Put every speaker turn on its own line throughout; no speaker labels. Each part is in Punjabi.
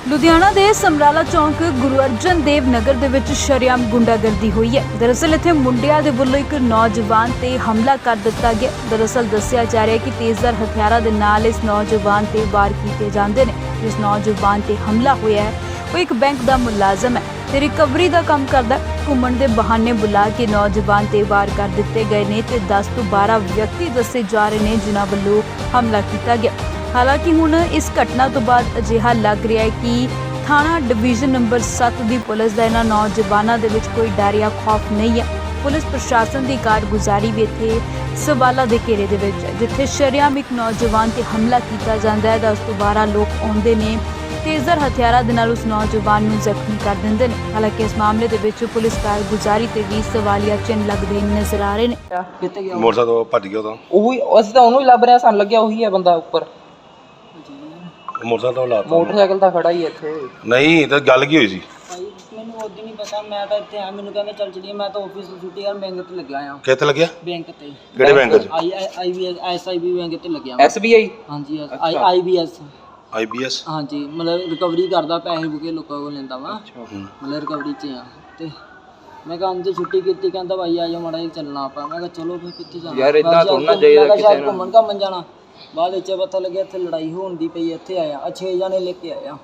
ਲੁਧਿਆਣਾ ਦੇ ਸਮਰਾਲਾ ਚੌਂਕ ਗੁਰੂ ਅਰਜਨ ਦੇਵ ਨਗਰ ਦੇ ਵਿੱਚ ਸ਼ਰੇਆਮ ਗੁੰਡਾਗਰਦੀ ਹੋਈ ਹੈ। ਦਰਅਸਲ ਇੱਥੇ ਮੁੰਡਿਆਂ ਦੇ ਵੱਲੋਂ ਇੱਕ ਨੌਜਵਾਨ ਤੇ ਹਮਲਾ ਕਰ ਦਿੱਤਾ ਗਿਆ। ਦਰਅਸਲ ਦੱਸਿਆ ਜਾ ਰਿਹਾ ਹੈ ਕਿ ਤੇਜ਼ਧਾਰ ਹਥਿਆਰਾਂ ਦੇ ਨਾਲ ਇਸ ਨੌਜਵਾਨ ਤੇ ਵਾਰ ਕੀਤੇ ਜਾਂਦੇ ਨੇ। ਜਿਸ ਨੌਜਵਾਨ ਤੇ ਹਮਲਾ ਹੋਇਆ ਹੈ ਉਹ ਇੱਕ ਬੈਂਕ ਦਾ ਮੁਲਾਜ਼ਮ ਹੈ ਤੇ ਰਿਕਵਰੀ ਦਾ ਕੰਮ ਕਰਦਾ। ਘੁੰਮਣ ਦੇ ਬਹਾਨੇ ਬੁਲਾ ਕੇ ਨੌਜਵਾਨ ਤੇ ਵਾਰ ਕਰ ਦਿੱਤੇ ਗਏ ਨੇ ਤੇ 10 ਤੋਂ 12 ਵਿਅਕਤੀ ਦੱਸੇ ਜਾ ਰਹੇ ਨੇ ਜਿਨ੍ਹਾਂ ਵੱਲੋਂ ਹਮਲਾ ਕੀਤਾ ਗਿਆ। ਹਾਲਾਂਕਿ ਹੁਣ ਇਸ ਘਟਨਾ ਤੋਂ ਬਾਅਦ ਅਜਿਹਾ ਲੱਗ ਰਿਹਾ ਹੈ ਕਿ ਥਾਣਾ ਡਿਵੀਜ਼ਨ ਨੰਬਰ 7 ਦੀ ਪੁਲਿਸ ਦਾ ਇਹਨਾਂ ਨੌਜਵਾਨਾਂ ਦੇ ਵਿੱਚ ਕੋਈ ਡਰ ਜਾਂ ਖੌਫ ਨਹੀਂ ਹੈ। ਪੁਲਿਸ ਪ੍ਰਸ਼ਾਸਨ ਦੀ ਕਾਰਗੁਜ਼ਾਰੀ ਵੀ ਇੱਥੇ ਸਵਾਲਾਂ ਦੇ ਘੇਰੇ ਦੇ ਵਿੱਚ ਹੈ। ਜਿੱਥੇ ਸ਼ਰੇਆਮ ਇੱਕ ਨੌਜਵਾਨ ਤੇ ਹਮਲਾ ਕੀਤਾ ਜਾਂਦਾ ਹੈ 10 ਤੋਂ 12 ਲੋਕ ਆਉਂਦੇ ਨੇ ਤੇਜ਼ਧਾਰ ਹਥਿਆਰਾਂ ਦੇ ਨਾਲ ਉਸ ਨੌਜਵਾਨ ਨੂੰ ਜ਼ਖਮੀ ਕਰ ਦਿੰਦੇ ਨੇ। ਹਾਲਾਂਕਿ ਇਸ ਮਾਮਲੇ ਦੇ ਵਿੱਚ ਪੁਲਿਸ ਕਾਰਗੁਜ਼ਾਰੀ ਤੇ ਵੀ ਸਵਾਲੀਆ ਚਿੰਨ੍ਹ ਲੱਗਦੇ ਨਜ਼ਰ ਆ ਰਹੇ ਨੇ।
ਕਿੱਥੇ ਗਿਆ
ਮੋਟਰਸਾਈਕਲ ਤੋਂ ਭੱਜ ਗਿਆ ਤਾਂ
ਉਹੀ ਅਸੀਂ ਤਾਂ ਉਹਨੂੰ ਹੀ ਲੱਭ ਰਹੇ ਸਾਨੂੰ ਲੱਗਿਆ ਉਹੀ ਹੈ ਬੰਦਾ ਉੱਪਰ।
ਮੋਟਰਸਾਈਕਲ ਤੋਂ ਲਾਤਾ
ਮੋਟਰਸਾਈਕਲ ਤਾਂ ਖੜਾ ਹੀ ਹੈ ਇੱਥੇ।
ਨਹੀਂ ਤਾਂ ਗੱਲ ਕੀ ਹੋਈ ਸੀ?
ਭਾਈ ਮੈਨੂੰ ਉਦੋਂ ਨਹੀਂ ਪਤਾ, ਮੈਂ ਤਾਂ ਇੱਥੇ ਆ, ਮੈਨੂੰ ਕਹਿੰਦੇ ਚੱਲ ਚਲੀਏ, ਮੈਂ ਤਾਂ ਆਫਿਸ ਤੋਂ ਛੁੱਟੀ ਯਾਰ ਬੈਂਕ ਤੇ ਲੱਗਿਆ ਆ।
ਕਿੱਥੇ ਲੱਗਿਆ?
ਬੈਂਕ ਤੇ।
ਕਿਹੜੇ ਬੈਂਕ 'ਚ?
SIB ਬੈਂਕ ਤੇ ਲੱਗਿਆ
SBI
ਹਾਂਜੀ IBS
IBS
ਹਾਂਜੀ, ਮਤਲਬ ਰਿਕਵਰੀ ਕਰਦਾ, ਪੈਸੇ ਬੁਕੇ ਲੋਕਾਂ ਕੋਲ ਲੈਂਦਾ ਵਾ, ਮਤਲਬ ਰਿਕਵਰੀ 'ਚ ਆ। ਤੇ ਮੈਂ ਕਿਹਾ ਅੰਦਰ ਛੁੱਟੀ ਕੀਤੀ, ਕਹਿੰਦਾ ਭਾਈ ਆ ਜਾ ਮਾੜਾ ਜਿਹਾ ਚੱਲਣਾ ਆਪਾਂ। ਮੈਂ ਕਿਹਾ ਚਲੋ ਫਿਰ ਕਿੱਥੇ ਜਾਣਾ
ਯਾਰ ਇਦਾਂ ਥੋੜ੍ਹਾ ਚਾਹੀਦਾ ਕਿਸੇ ਨੂੰ।
ਘੁੰਮਣ ਘਾਮਣ ਜਾਣਾ। ਬਾਅਦ ਵਿੱਚ ਪਤਾ ਲੱਗਿਆ ਇੱਥੇ ਲੜਾਈ ਹੋਣ ਦੀ ਪਈ। ਇੱਥੇ ਆਇਆ 6 ਜਣੇ ਲੈ ਕੇ ਆਇਆ।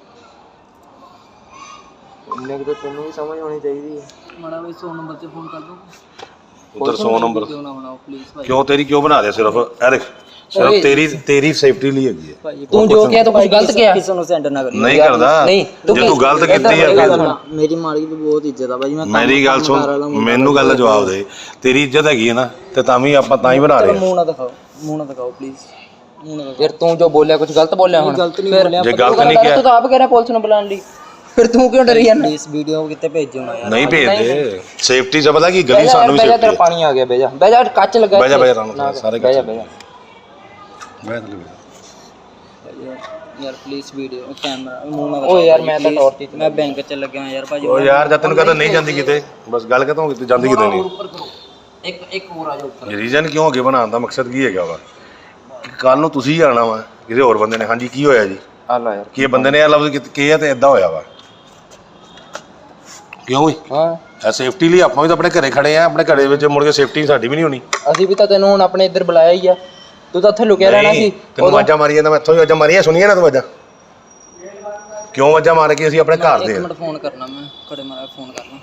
ਇੰਨੇ ਕੁ ਤਾਂ ਤੈਨੂੰ ਵੀ ਸਮਝ ਹੋਣੀ ਚਾਹੀਦੀ ਹੈ।
ਮਾੜਾ ਬਈ 100 ਨੰਬਰ ਤੇ ਫੋਨ ਕਰ ਦੋ।
ਉਧਰ 100 ਨੰਬਰ
ਕਿਉਂ ਨਾ ਬਣਾਓ ਪਲੀਜ਼ ਭਾਈ।
ਕਿਉਂ ਤੇਰੀ ਕਿਉਂ ਬਣਾ ਰਿਹਾ? ਸਿਰਫ ਇਹ ਦੇਖ, ਸਿਰਫ ਤੇਰੀ ਸੇਫਟੀ ਲਈ ਹੈਗੀ ਹੈ।
ਭਾਈ
ਤੂੰ ਜੋ ਕਿਹਾ ਤੂੰ ਕੁਝ ਗਲਤ ਕਿਹਾ।
ਕਿਸੇ ਨੂੰ ਸੈਂਡ ਨਾ ਕਰੀ।
ਨਹੀਂ ਕਰਦਾ।
ਨਹੀਂ,
ਜੇ ਤੂੰ ਗਲਤ ਕੀਤੀ ਹੈ ਫਿਰ
ਮੇਰੀ ਮਾਲਕੀ ਦੀ ਬਹੁਤ ਇੱਜ਼ਤ ਆ ਭਾਈ। ਮੈਂ
ਮੇਰੀ ਗੱਲ ਸੁਣ, ਮੈਨੂੰ ਗੱਲ ਦਾ ਜਵਾਬ ਦੇ। ਤੇਰੀ ਇੱਜ਼ਤ ਹੈਗੀ ਹੈ ਨਾ ਤੇ ਤਾਂ ਵੀ ਆਪਾਂ ਤਾਂ ਹੀ ਬਣਾ ਰਹੇ ਹਾਂ।
ਮੂੰਹ ਨਾ ਦਿਖਾਓ, ਮੂੰਹ ਨਾ ਦਿਖਾਓ ਪਲੀਜ਼, ਮੂੰਹ ਨਾ ਦਿਖਾਓ।
ਫਿਰ ਤੂੰ ਜੋ ਬੋਲਿਆ ਕੁਝ ਗਲਤ ਬੋਲਿਆ ਹੁਣ।
ਗਲਤ ਨਹੀਂ ਬੋਲਿਆ।
ਜੇ ਗਲਤ ਨਹੀਂ ਕਿਹਾ
ਤੂੰ ਤਾਂ ਆਪ ਕਹਿ ਰਿਹਾ ਪੁਲਿਸ ਨੂੰ ਬੁਲਾਉਣ ਲਈ, ਫਿਰ ਤੂੰ ਕਿਉਂ ਡਰੀ ਜਾਂਦਾ?
ਇਸ ਵੀਡੀਓ ਕਿਤੇ ਭੇਜਿਓ ਨਾ ਯਾਰ।
ਨਹੀਂ ਭੇਜਦੇ। ਸੇਫਟੀ ਚ ਪਤਾ ਕੀ ਗਲੀ ਸਾਨੂੰ ਵੀ
ਬਹਿ ਜਾ,
ਸੇਫਟੀ
ਤੇਰਾ
ਹੈ।
ਪਾਣੀ ਆ ਗਿਆ। ਬਹਿ ਜਾ ਬਹਿ ਜਾ, ਕੱਚ ਲੱਗਾ।
ਬਹਿ ਜਾ ਬਹਿ ਜਾ ਸਾਰੇ
ਬਹਿ ਜਾ ਬਹਿ ਜਾ।
ਯਾਰ ਪਲੀਜ਼ ਵੀਡੀਓ ਕੈਮਰਾ ਮੂੰਹ ਨਾ
ਓਏ ਯਾਰ ਮੈਂ ਤਾਂ ਟੌਰਚ
ਮੈਂ ਬੈਂਕ ਚ ਲੱਗਿਆ ਯਾਰ ਭਾਜੀ।
ਉਹ ਯਾਰ ਜਦ ਤੈਨੂੰ ਕਹਤਾ ਨਹੀਂ ਜਾਂਦੀ ਕਿਤੇ, ਬਸ ਗੱਲ ਕਹਤਾ ਕਿਤੇ ਜਾਂਦੀ ਕਿਤੇ ਨਹੀਂ।
ਇੱਕ ਹੋਰ ਆ ਜਾ ਉੱਪਰ।
ਰੀਜ਼ਨ ਕਿਉਂ ਅੱਗੇ ਬਣਾਉਣ ਦਾ ਮਕਸਦ ਕੀ ਹੈਗਾ ਵਾ? ਕੱਲ ਨੂੰ ਤੁਸੀਂ ਆਣਾ ਵਾ ਕਿਸੇ ਹੋਰ ਬੰਦੇ ਨੇ, ਹਾਂਜੀ ਕੀ ਹੋਇਆ ਜੀ,
ਆ ਲੈ ਯਾਰ
ਕੀ ਇਹ ਬੰਦੇ ਨੇ ਇਹ ਲਫ਼ਜ਼ ਕੀ ਹੈ ਤੇ ਇਦਾਂ ਹੋਇਆ ਵਾ ਕਿਉਂ ਵੀ?
ਹਾਂ
ਇਹ ਸੇਫਟੀ ਲਈ ਆਪਾਂ ਵੀ ਤਾਂ ਆਪਣੇ ਘਰੇ ਖੜੇ ਆ। ਆਪਣੇ ਘਰੇ ਵਿੱਚ ਮੁੜ ਕੇ ਸੇਫਟੀ ਸਾਡੀ ਵੀ ਨਹੀਂ ਹੋਣੀ।
ਅਸੀਂ ਵੀ ਤਾਂ ਤੈਨੂੰ ਹੁਣ ਆਪਣੇ ਇੱਧਰ ਬੁਲਾਇਆ ਹੀ ਆ। ਤੂੰ ਤਾਂ ਉੱਥੇ ਲੁਕਿਆ ਰਹਿਣਾ ਸੀ।
ਤੈਨੂੰ ਵਾਜਾਂ ਮਾਰੀ ਜਾਂਦਾ, ਮੈਂ ਇੱਥੋਂ ਹੀ ਵਾਜਾਂ ਮਾਰੀਆਂ, ਸੁਣੀਆਂ ਨਾ ਤੂੰ ਵਾਜਾਂ? ਕਿਉਂ ਵਾਜਾਂ ਮਾਰ ਕੇ ਅਸੀਂ ਆਪਣੇ ਘਰ ਦੇ
ਇੱਕ ਮਿੰਟ ਫੋਨ ਕਰਨਾ, ਮੈਂ ਘੜੇ ਮਾਰਾ ਫੋਨ ਕਰਨਾ।